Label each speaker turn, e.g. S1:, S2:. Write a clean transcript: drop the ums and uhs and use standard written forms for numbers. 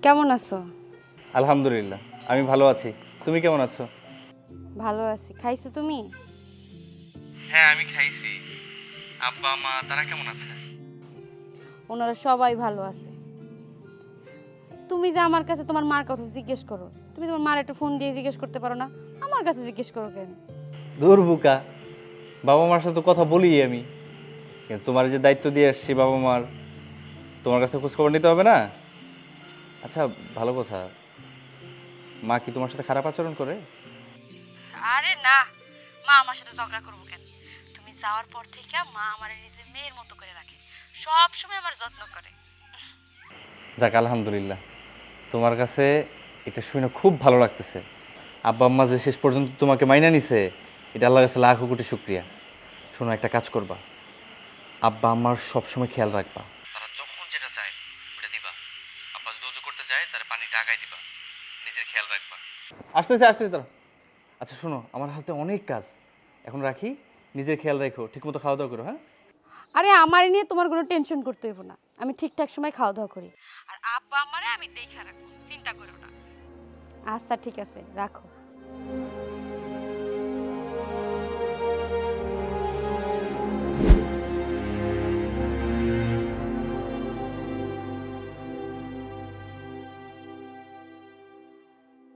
S1: কেমন আছো?
S2: আলহামদুলিল্লাহ, আমি ভালো আছি। তুমি কেমন আছো?
S1: ভালো আছি। খাইছো তুমি?
S2: হ্যাঁ, আমি খাইছি। আব্বা মা তারা কেমন আছে?
S1: ওনারা সবাই ভালো আছে। তুমি যে আমার কাছে তোমার মার কথা জিজ্ঞেস করো, তুমি তোমার মার একটু ফোন দিয়ে জিজ্ঞেস করতে পারো না? আমার কাছে জিজ্ঞেস করো কেন?
S2: দূর বুকা, বাবা মার সাথে তো কথা বলি আমি, কিন্তু তোমার যে দায়িত্ব দিয়ে আসছি বাবা মার, তোমার কাছে খোঁজ খবর নিতে হবে না? আচ্ছা, ভালো কথা, মা কি তোমার সাথে খারাপ আচরণ করে?
S1: আরে না, মা আমার সাথে ঝগড়া করবো কেন? তুমি যাওয়ার পর থেকে মা আমার নিজের মেয়ের মতো করে রাখে, সব সময় আমার যত্ন করে।
S2: যাক আলহামদুলিল্লাহ, তোমার কাছে এটা শুনে খুব ভালো লাগতেছে। আব্বা আম্মা যে শেষ পর্যন্ত তোমাকে মাইনা নিছে, এটা আল্লাহর কাছে লাখ কোটি শুক্রিয়া। শোনো, একটা কাজ করবা, আব্বা আম্মার সবসময় খেয়াল রাখবা। তারা যখন যেটা চায় ওটা দিবা। আব্বা যদি ওযু করতে যায় তার পানিটা আগায় দিবা। নিজের খেয়াল রাখবা। আসতেছে আসতেছে তারা। আচ্ছা শোনো, আমার হাতে অনেক কাজ, এখন রাখি। নিজের খেয়াল রাখো, ঠিকমতো খাওয়া দাওয়া করো। হ্যাঁ,
S1: আরে আমার নিয়ে তোমার কোনো টেনশন করতে হইব না, আমি ঠিকঠাক সময় খাওয়া দাওয়া করি। আর আব্বা আমারে আমি দেখা রাখবো, চিন্তা করো না। আচ্ছা ঠিক আছে, রাখো।